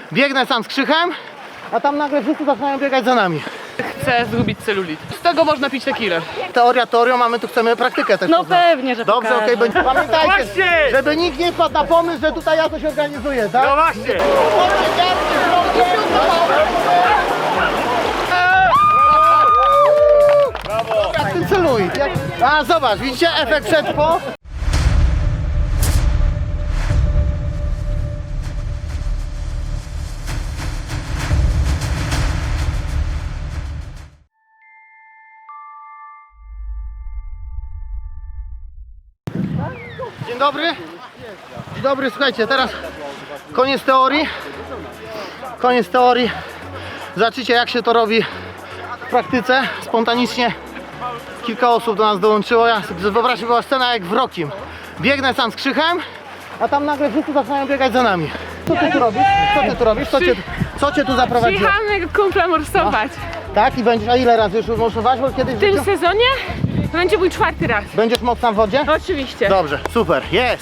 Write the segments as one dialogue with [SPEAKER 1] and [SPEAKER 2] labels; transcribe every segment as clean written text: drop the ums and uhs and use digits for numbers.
[SPEAKER 1] Biegnę sam z Krzychem, a tam nagle wszyscy zaczynają biegać za nami.
[SPEAKER 2] Chcę zgubić celulit. Z tego można pić tequilę.
[SPEAKER 1] Teoria teorią, a my tu chcemy praktykę też
[SPEAKER 3] No
[SPEAKER 1] poznać.
[SPEAKER 3] pewnie, że
[SPEAKER 1] Dobrze,
[SPEAKER 3] pokażę.
[SPEAKER 1] okej, pamiętajcie,
[SPEAKER 4] Właśnie!
[SPEAKER 1] żeby nikt nie wpadł na pomysł, że tutaj ja coś organizuję, tak?
[SPEAKER 4] No właśnie! Brawo!
[SPEAKER 1] Jak ten celuj. A zobacz, widzicie efekt przed po? Dzień dobry. Dzień dobry, słuchajcie, teraz koniec teorii. Koniec teorii. Zobaczycie, jak się to robi w praktyce. Spontanicznie kilka osób do nas dołączyło. Wyobraźcie, była scena jak w Rockim. Biegnę sam z Krzychem, a tam nagle wszyscy zaczynają biegać za nami. Co ty tu robisz? Co ty tu robisz? Co cię tu zaprowadziło?
[SPEAKER 2] Przyjechałam jego kumpla morsować.
[SPEAKER 1] Tak? I będziesz, a ile razy już morsować? Bo kiedyś
[SPEAKER 2] W tym sezonie to będzie mój 4. raz.
[SPEAKER 1] będziesz mocna w wodzie?
[SPEAKER 2] Oczywiście.
[SPEAKER 1] Dobrze, super, jest!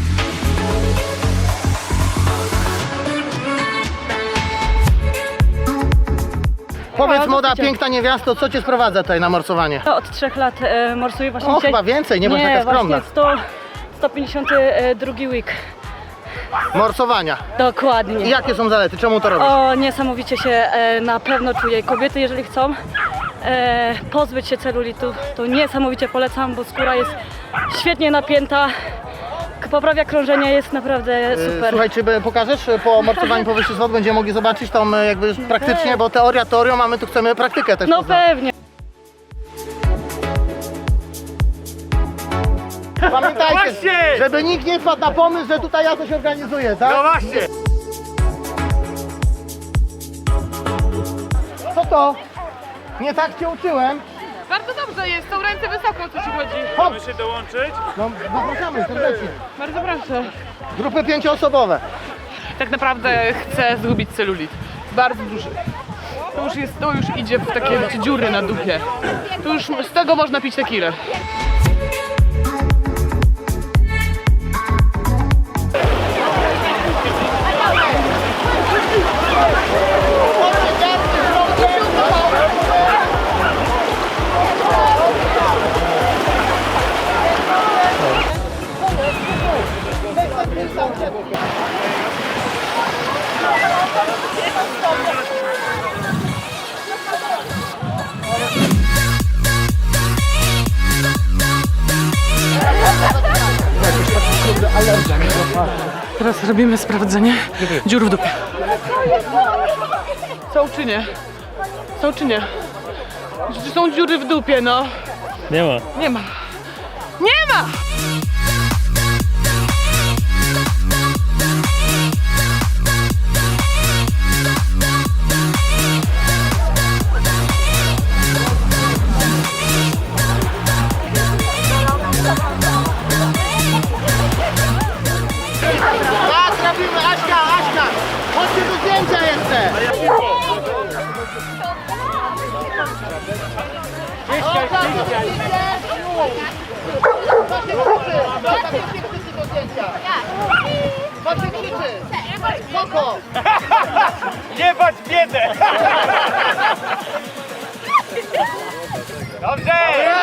[SPEAKER 1] Powiedz, młoda, piękna niewiasto, co cię sprowadza tutaj na morsowanie?
[SPEAKER 3] Od 3 lat morsuję właśnie
[SPEAKER 1] O,
[SPEAKER 3] dzisiaj.
[SPEAKER 1] chyba więcej, nie bądź taka skromna.
[SPEAKER 3] Właśnie 152 week.
[SPEAKER 1] Morsowania.
[SPEAKER 3] Dokładnie.
[SPEAKER 1] I jakie są zalety? Czemu to robisz?
[SPEAKER 3] O, niesamowicie się na pewno czuję. Kobiety, jeżeli chcą pozbyć się celulitu, to niesamowicie polecam, bo skóra jest świetnie napięta, poprawia krążenie, jest naprawdę super.
[SPEAKER 1] Słuchaj, czy pokażesz po morsowaniu powyższych wod, będziemy mogli zobaczyć tą jakby już praktycznie, bo teoria teorią, a my tu chcemy praktykę też
[SPEAKER 3] No
[SPEAKER 1] poznać.
[SPEAKER 3] pewnie.
[SPEAKER 1] Pamiętajcie,
[SPEAKER 4] Właśnie!
[SPEAKER 1] żeby nikt nie wpadł na pomysł, że tutaj ja coś organizuję, tak?
[SPEAKER 4] No właśnie!
[SPEAKER 1] Co to? Nie tak cię uczyłem.
[SPEAKER 2] Bardzo dobrze jest, tą ręce wysoko, o co ci chodzi.
[SPEAKER 1] Hop!
[SPEAKER 4] Chcemy się dołączyć?
[SPEAKER 1] No, zapraszamy serdecznie.
[SPEAKER 2] Bardzo proszę.
[SPEAKER 1] Grupy 5-osobowe.
[SPEAKER 2] Tak naprawdę chcę zgubić celulit. Bardzo duży. To już idzie w takie wiecie, dziury na dupie. To już z tego można pić tequilę. Teraz robimy sprawdzenie dziur w dupie. Są czy nie? Są czy nie? Czy są dziury w dupie, no?
[SPEAKER 4] Nie ma.
[SPEAKER 2] Nie ma. Nie ma!
[SPEAKER 1] Tak, robimy, Aśka! Chodźcie do zdjęcia jeszcze! Chodźcie krzyczy! Spoko!
[SPEAKER 4] Nie bać biedę! Dobrze!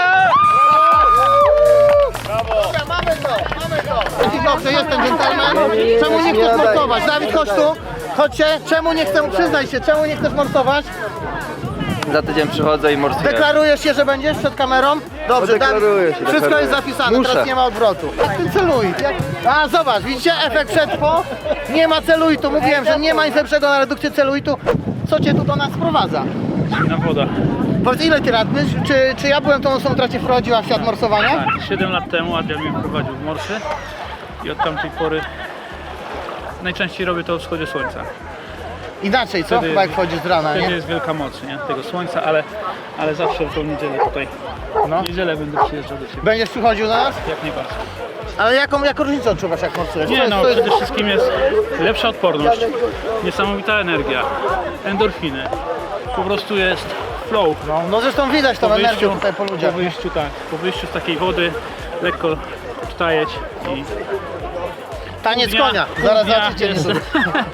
[SPEAKER 4] Brawo!
[SPEAKER 1] Dobra, mamy to! I dobrze, jest ten dżentelmen. Czemu nie chcesz morsować? Dawid, chodź tu! Chodźcie! Czemu nie chcesz, przyznaj się, czemu nie chcesz morsować?
[SPEAKER 5] Za tydzień przychodzę i morsuję.
[SPEAKER 1] Deklarujesz się, że będziesz przed kamerą? Dobrze,
[SPEAKER 5] deklaruję się,
[SPEAKER 1] wszystko
[SPEAKER 5] deklaruję.
[SPEAKER 1] jest zapisane,
[SPEAKER 5] Muszę.
[SPEAKER 1] teraz nie ma odwrotu. Jak ten celuj? A zobacz, widzicie efekt przed po? Nie ma celuitu, mówiłem, że nie ma nic lepszego na redukcję celuitu. Co cię tu do nas sprowadza?
[SPEAKER 4] Na woda.
[SPEAKER 1] Powiedz, ile ty lat? Czy ja byłem tą osobą, która cię wprowadziła w świat morsowania?
[SPEAKER 4] Tak, 7 lat temu Adrian mnie wprowadził w morsy i od tamtej pory najczęściej robię to o wschodzie słońca.
[SPEAKER 1] Inaczej, co?
[SPEAKER 4] Wtedy-
[SPEAKER 1] Chyba jak wchodzisz z rana,
[SPEAKER 4] Wtedy
[SPEAKER 1] nie?
[SPEAKER 4] jest wielka moc, nie? Tego słońca, ale zawsze w tą niedzielę tutaj.
[SPEAKER 1] No.
[SPEAKER 4] W niedzielę będę przyjeżdżał do Ciebie.
[SPEAKER 1] Będziesz przychodził do nas?
[SPEAKER 4] Jak najbardziej.
[SPEAKER 1] Ale jaką różnicę odczuwasz, jak morsujesz?
[SPEAKER 4] Nie no, przede wszystkim jest lepsza odporność, niesamowita energia, endorfiny. Po prostu jest flow.
[SPEAKER 1] No zresztą widać tą energię tutaj po ludziach.
[SPEAKER 4] Po wyjściu z takiej wody lekko wstajeć i
[SPEAKER 1] Taniec
[SPEAKER 4] pół dnia-
[SPEAKER 1] konia.
[SPEAKER 4] pół
[SPEAKER 1] Zaraz
[SPEAKER 4] dnia
[SPEAKER 1] zobaczycie.
[SPEAKER 4] jest-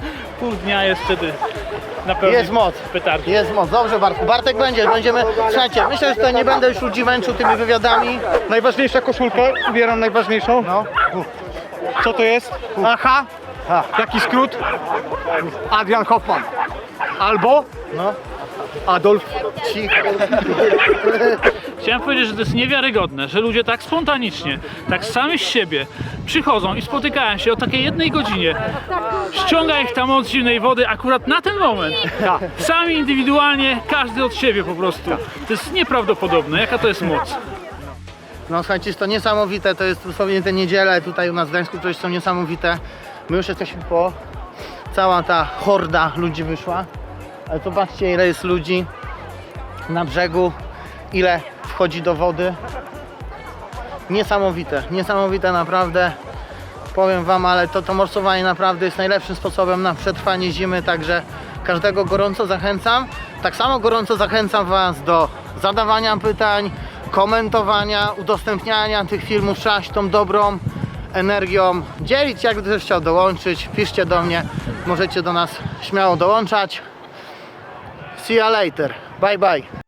[SPEAKER 4] pół dnia jest wtedy na pewno
[SPEAKER 1] Jest moc.
[SPEAKER 4] petardy.
[SPEAKER 1] Jest moc. Dobrze, Bartku. Bartek będziemy. Słuchajcie, myślę, że tutaj nie będę już ludzi męczył tymi wywiadami.
[SPEAKER 6] Najważniejsza koszulkę, ubieram najważniejszą.
[SPEAKER 1] No.
[SPEAKER 6] Co to jest? Aha. Jaki skrót? Adrian Hoffman. Albo
[SPEAKER 1] No.
[SPEAKER 6] Adolf.
[SPEAKER 1] Cicho.
[SPEAKER 4] Chciałem powiedzieć, że to jest niewiarygodne, że ludzie tak spontanicznie, tak sami z siebie przychodzą i spotykają się o takiej jednej godzinie. Ściąga ich ta moc zimnej wody akurat na ten moment. Sami indywidualnie, każdy od siebie po prostu. To jest nieprawdopodobne, jaka to jest moc.
[SPEAKER 1] No słuchajcie, jest to niesamowite, to jest dosłownie te niedziele tutaj u nas w Gdańsku, które są niesamowite. My już jesteśmy po... Cała ta horda ludzi wyszła. Ale zobaczcie, ile jest ludzi na brzegu, ile wchodzi do wody. Niesamowite, niesamowite naprawdę. Powiem wam, ale to morsowanie naprawdę jest najlepszym sposobem na przetrwanie zimy, także każdego gorąco zachęcam. Tak samo gorąco zachęcam was do zadawania pytań, komentowania, udostępniania tych filmów. Trzeba się tą dobrą energią dzielić. Jak ktoś chciał dołączyć, piszcie do mnie, możecie do nas śmiało dołączać. See you later, bye bye.